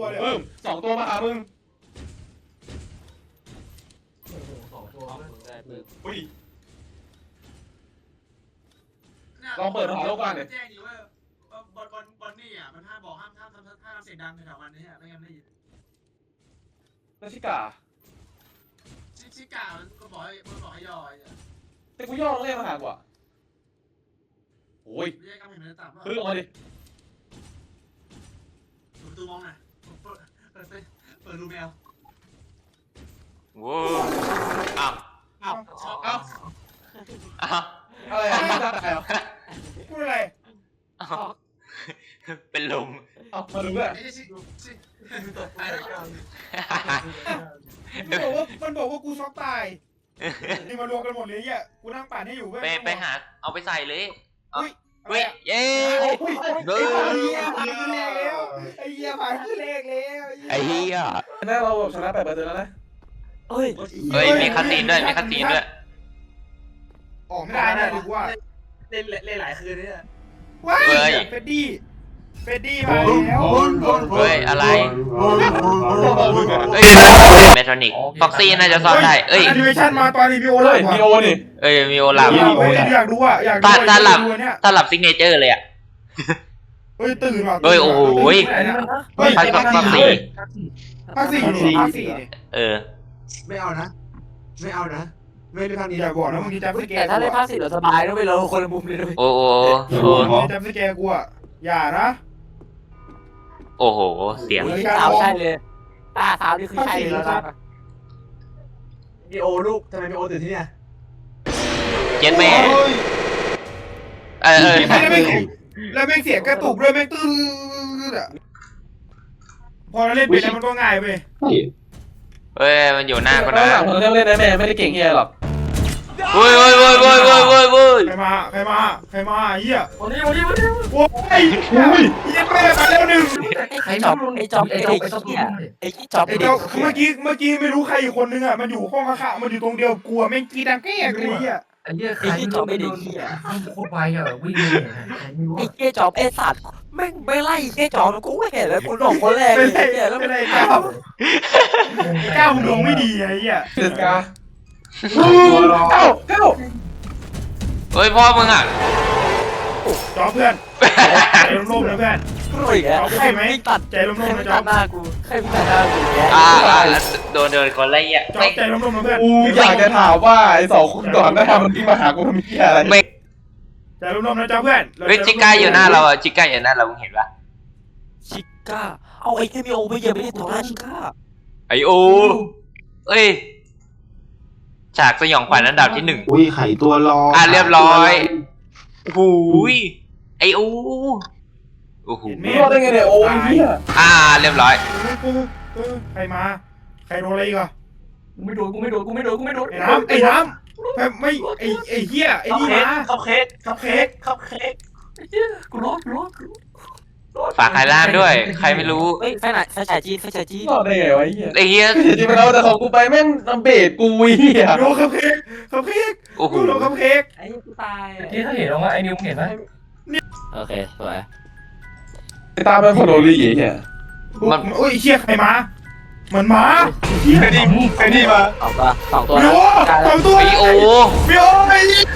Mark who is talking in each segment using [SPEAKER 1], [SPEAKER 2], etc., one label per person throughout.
[SPEAKER 1] ตัวเลย
[SPEAKER 2] สองตัวมาหามึง อุ้ยลองเปิดหาโลกก่อนเลย
[SPEAKER 1] แจ้งดีว่าบอลนี่อ่ะมันห้ามบอกห้ามทำเสียงดังแถวๆมันนี่ไม่งั้นไม่ได้ยิน
[SPEAKER 2] นาชิกา
[SPEAKER 1] ชิกามันก็บอกให้ย่อย
[SPEAKER 2] แต่กูย่อลงเล่นมาหากว่าโอ้ย
[SPEAKER 1] เรียกกำแพงเนื้อต่ำ
[SPEAKER 2] พึ่งออกมาดิ
[SPEAKER 1] ประตูมองหน่อยเปิดรูแมว
[SPEAKER 3] ว้าวอ้าว
[SPEAKER 1] อ้าว
[SPEAKER 2] เอ้า
[SPEAKER 3] อ้าว
[SPEAKER 2] อะไรอ่ะไม่ได้เหรอ
[SPEAKER 1] พูดอะไร
[SPEAKER 3] อ้าวเป็นลม
[SPEAKER 2] เอ้ามาดูด้วย
[SPEAKER 1] ไอ้มันบอกว่ากูช็อกตายนี่มารวมกันหมดเลยเนี่ยกูนั่งป่านให้อยู่เว้ย
[SPEAKER 3] ไปหาเอาไปใส่เลย
[SPEAKER 1] อุ้ย
[SPEAKER 3] เฮ้ยเย้
[SPEAKER 1] เฮ้ยผ่านขึ้นแรกแล้วไอ้เหี้ยผ่านขึ้นแรกแล้ว
[SPEAKER 3] ไอ้เหี้ย
[SPEAKER 2] น่าเราชนะ8%แล้วนะ
[SPEAKER 3] เฮ้ยมีคัตซีนด้วยมีคัตซีนด้วย
[SPEAKER 1] ออกไม่ได้นะดีกว่า
[SPEAKER 4] เล่นหลายคืนเนี่ย
[SPEAKER 1] ว้ายเฟดดี้มาแล้ว
[SPEAKER 3] เฮ้ยอะไรเฮ้ยเมทรอนิกฟ็อกซี่น่าจะซ่อนได้เอ้ย
[SPEAKER 1] แอนิเมชั่นมาตอนรีวิว
[SPEAKER 2] เฮ้
[SPEAKER 1] เลย ย
[SPEAKER 2] มีโอนี่
[SPEAKER 3] เอ้ยมีโอลาฟ
[SPEAKER 1] อยากดูอ่ะอยากดู
[SPEAKER 3] ถ้าหลับ
[SPEAKER 1] เนี่ย
[SPEAKER 3] ถ้าหลับซิกเนเจอร์เลยอ่ะ
[SPEAKER 1] เฮ้ยตื่นว่ะ
[SPEAKER 3] เฮ้ยโอ้โห
[SPEAKER 1] เฮ้ย
[SPEAKER 3] ภาคฟ็อกซี่
[SPEAKER 1] ภาคสี่
[SPEAKER 3] เออ
[SPEAKER 4] ไม่เอานะไม่เอานะไม่ได้ทางนี้
[SPEAKER 1] อย่าบอกนะมึงจะจำสแก
[SPEAKER 5] แต่ถ้าเล่นภาคสี่เราสบายนะเว้ยเราคนละมุมเลยนะเว้ย
[SPEAKER 3] โอ้โห
[SPEAKER 1] จำสแกกูอ่ะอย่านะ
[SPEAKER 3] โอ้โหเสียง
[SPEAKER 5] สาวใช่เลยตาสาวนี่คือใช่เลยแล้วนะ
[SPEAKER 4] มีโอลูกทำไมมีโอตื่นที่เนี่ย
[SPEAKER 3] เจ็ดแม่เออ
[SPEAKER 1] แล้วแม่งเสียงกระตุกด้วยแม่งตื้ออ่ะพอเราเล่นไปแล้วมันก็ง่ายเว้ย
[SPEAKER 3] เฮ้ยมันอยู่หน้าก็
[SPEAKER 2] ตอ
[SPEAKER 3] นะ
[SPEAKER 2] นหลังเราเล่นได้แม่ไม่ได้เก่งเฮียหรอก
[SPEAKER 3] เฮ้ย
[SPEAKER 1] ใครมาเหี้ย
[SPEAKER 5] วันนี้
[SPEAKER 1] โอ้ยเหี้ยแม่มาแล้วหนึ่ง
[SPEAKER 5] ไอ้จอบไอ้จอบไอ้เด็กเนี่ยไอ้จอบไอ้เด็ก
[SPEAKER 1] เมื่อกี้ไม่รู้ใครอีกคนนึงอ่ะมันอยู่ห้องข้างๆมันอยู่ตรงเดียวกลัวแม่งกีดังแก้เลยเหี้ย
[SPEAKER 6] ไอ้เหี้ยใคร
[SPEAKER 5] ไอ้จอบไอ้เด็กเนี่ย
[SPEAKER 6] โคตรไวอะวิ่งเลยไม่รู้
[SPEAKER 5] ไอ้เจ๊จอบไอ้สัตว์แม่งไม่ไล่เจ๊จอบกูไม่เห็นแล้วกูหลงคนแรกเลยเนี่ยแล้ว
[SPEAKER 1] ไม่ได้ก้าวมึงลงไม่ดีไอ้เหี้ย
[SPEAKER 2] เดือดกาเก้า
[SPEAKER 3] เฮ้ยพ่อมึงอ่ะ
[SPEAKER 1] จอเพื่อนใจร่มๆนะเพื่อน
[SPEAKER 5] กูอีกแล้วใครไม่ตัด
[SPEAKER 1] ใจร่
[SPEAKER 5] ใคร
[SPEAKER 1] มๆ
[SPEAKER 5] ไม่
[SPEAKER 1] นะจ
[SPEAKER 5] ตั
[SPEAKER 1] อ
[SPEAKER 5] ดหน้ากูใครไม่ตัดหน้ากูเนี่ย
[SPEAKER 3] โดนคนไรอ่ะ
[SPEAKER 1] จอใจร่มๆนะเพื่อน
[SPEAKER 2] กูอยากจะถามว่าไอ้สองคนก่อนหน้ามันที่มาหากูมันมีอะไร
[SPEAKER 3] ไม่
[SPEAKER 1] ใจร่มๆนะจอเพื่อน
[SPEAKER 3] เฮ้ยจิก้าอยู่หน้าเราอ่ะจิก้าอยู่หน้าเรามึงเห็นปะ
[SPEAKER 5] ชิก้าเอาไอ้ที่มีโอไปเยอะไม่ได้ต่อหน้าชิก้า
[SPEAKER 3] ไอโอเอ้ยฉากสยองขวัญอันดับที่1
[SPEAKER 4] อุ้ยไข่ตัวรอ
[SPEAKER 3] เรียบร้อยหูยไอโอโอ้โห
[SPEAKER 2] ไม่รอดได้ไงเนี่ยโอ้ยเฮีย
[SPEAKER 3] เรียบร้อย
[SPEAKER 1] ใครมาใครโดนอะไรอีกอ่ะ
[SPEAKER 5] กูไม่โดน
[SPEAKER 1] ไอ้น้ำไม่ไอ้เหี้ยไอ้นี่มา
[SPEAKER 4] คัพเค้ก
[SPEAKER 1] คัพเค้ก
[SPEAKER 5] กูรอด
[SPEAKER 3] ฝากใครล่ามด้วย ใครไม่รู้
[SPEAKER 5] เฮ้ยไฟไหนไฟฉายจีน
[SPEAKER 2] รอดได้ไงวะเฮีย
[SPEAKER 3] ไอเฮีย
[SPEAKER 2] จริงๆมันเอาแต่ของกูไปแม่งนำเบสกูเฮีย
[SPEAKER 1] โดนคัพเค้ก
[SPEAKER 3] โอ้โห
[SPEAKER 1] โดนคัพเค้ก
[SPEAKER 5] ไอ้กูตาย
[SPEAKER 6] ที่ถ้าเห็นว่าไอ้นิวเห็นไหม
[SPEAKER 5] โอเคสวย
[SPEAKER 2] ไอ้ตาเป็นคนโดรีเฮีย
[SPEAKER 1] โอ้ยเชี่ยใครมามันมาเชี่ย
[SPEAKER 2] ไอ้นี่มา
[SPEAKER 5] สองตัว
[SPEAKER 1] โอ้สองตัว
[SPEAKER 3] ไอโอ
[SPEAKER 1] พี่โอ้ไอ้เหี้ย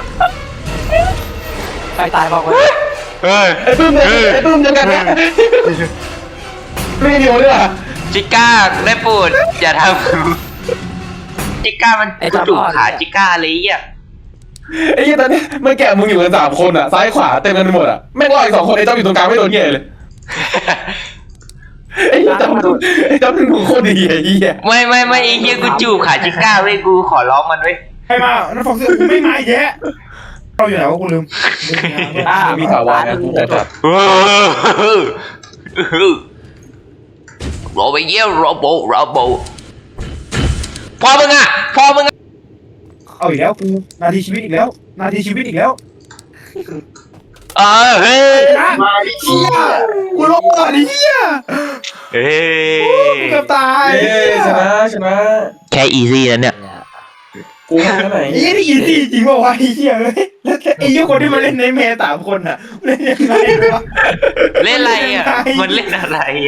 [SPEAKER 5] ไฟตายบอกเลย
[SPEAKER 3] เฮ้ย
[SPEAKER 2] ไอ้ปื้มยังกันนะไม่เดียวเลยอ่ะ
[SPEAKER 3] จิก้าได้โปรดอย่าทำจิก้ามันจุกขาจิก้าเลยอ่ะ
[SPEAKER 2] ไอ้เหี้ยตอนนี้มันแกะมึงอยู่กัน3 คนอ่ะซ้ายขวาเต็มกันไปหมดอ่ะแม่งรออีก2 คนไอ้เจ้าอยู่ตรงกลางไม่โดนเงี้ยเลยไอ้เจ้าเป็นหนูโคตรดีไอ้เหี้ย
[SPEAKER 3] ไม่ไอเฮียกูจูบขาจิก้าเว้ยกูขอร้องมันเว้ย
[SPEAKER 1] ใครมานั่นฟอกเสื้อกูไม่มาอีกแยะเราอยู่ไหนวะกูลืม
[SPEAKER 2] มีข่าวว่านะกูจะจับ
[SPEAKER 3] โรบเยี่ยโรโบพอมึงอ่ะ
[SPEAKER 1] เอาอีกแล้วกูนาทีชีวิตอีกแล้ว
[SPEAKER 3] เฮ้ย
[SPEAKER 1] มาเชี่ยกูรอดเหี้ย
[SPEAKER 3] เฮ้ย
[SPEAKER 1] เกือบตาย
[SPEAKER 2] ชนะ
[SPEAKER 3] แค่อีซี่แล้วเนี่ย
[SPEAKER 2] กูแค่ไหน
[SPEAKER 1] ไอ้เหี้ยนี่อีซี่จริงป่าวะไอ้เหี้ยเอ้ยแล้วไอ้เหี้ยคนที่มาเล่นในเมย์3 คนอ่ะเล่นยังไงวะ
[SPEAKER 3] เล่นอะไรอ่ะมันเล่นอะไร